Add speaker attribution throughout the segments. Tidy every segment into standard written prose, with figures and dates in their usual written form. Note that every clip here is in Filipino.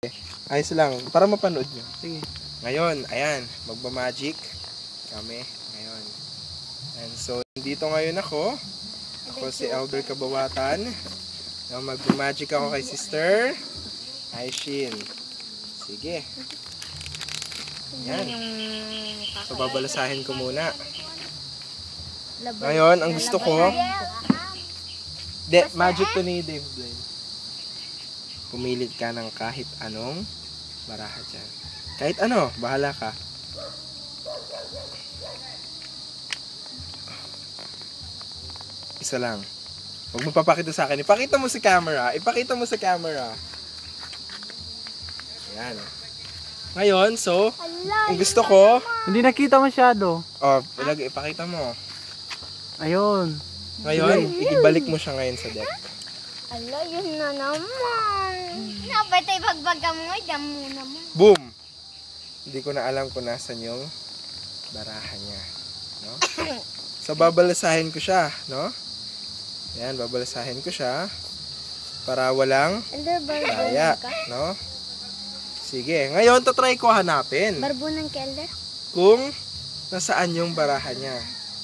Speaker 1: Ayos lang, para mapanood nyo.
Speaker 2: Sige.
Speaker 1: Ngayon, ayan, magmamagic kami ngayon. And so, dito ngayon ako. Ako si Elder Kabawatan. Magmamagic ako kay Sister Aishin. Sige. Ayan. So, babalasahin ko muna. Ngayon, ang gusto ko, magic to ni Dave Blaine. Pumilit ka ng kahit anong baraha dyan. Kahit ano, bahala ka. Isa lang. Huwag mo papakita sa akin. Ipakita mo sa camera. Ipakita mo sa camera. Ayan. Ngayon, so, ang gusto ko...
Speaker 2: Hindi nakita masyado.
Speaker 1: Oh, ipakita mo.
Speaker 2: Ayun.
Speaker 1: Ngayon, ibalik mo siya ngayon sa deck.
Speaker 3: Ala, yun na naman. Napatay pagbaga mo, dyan mo naman.
Speaker 1: Boom! Hindi ko na alam kung nasan yung baraha niya. No? So, babalasahin ko siya. No? Ayan, babalasahin ko siya. Para walang kaya. No? Sige. Ngayon, tatry ko hanapin.
Speaker 3: Barbunan ka, Elder?
Speaker 1: Kung nasaan yung baraha niya.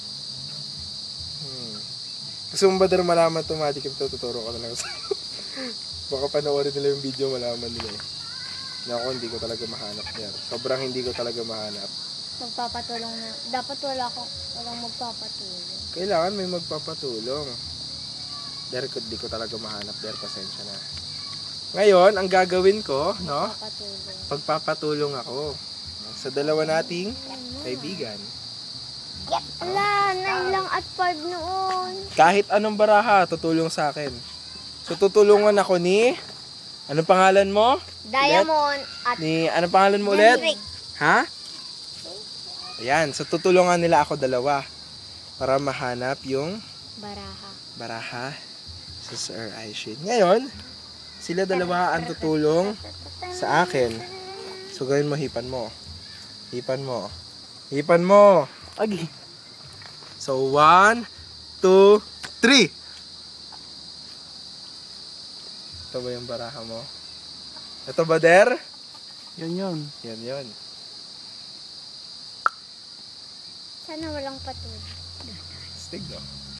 Speaker 1: Gusto mo ba din malaman ito, Magic? Tuturo ko na lang sa baka panoorin nila yung video, malaman nila eh. Na ako, hindi ko talaga mahanap yan. Sobrang hindi ko talaga mahanap.
Speaker 3: Magpapatulong na. Dapat walang magpapatulong.
Speaker 1: Kailangan may magpapatulong. There, di ko talaga mahanap. There, pasensya na. Ngayon, ang gagawin ko, no? Pagpapatulong ako sa dalawa nating kaibigan.
Speaker 3: Ala, 9 lang at 5 noon.
Speaker 1: Kahit anong baraha, tutulong sa akin. So, tutulungan ako ni... Anong pangalan mo?
Speaker 3: Diamond at
Speaker 1: Anong pangalan mo ulit?
Speaker 3: Henrik.
Speaker 1: Ha? Ayan. So, tutulungan nila ako dalawa para mahanap yung baraha sa Sir Aishin. Ngayon, sila dalawa ang tutulong sa akin. So, gawin mo, hipan mo. Hipan mo. Hipan mo.
Speaker 2: Agi.
Speaker 1: So, 1, 2, 3. Ito ba yung baraha mo? Ito ba, Der?
Speaker 2: Yun.
Speaker 1: Yan.
Speaker 3: sana walang patuloy.
Speaker 1: Stig, no?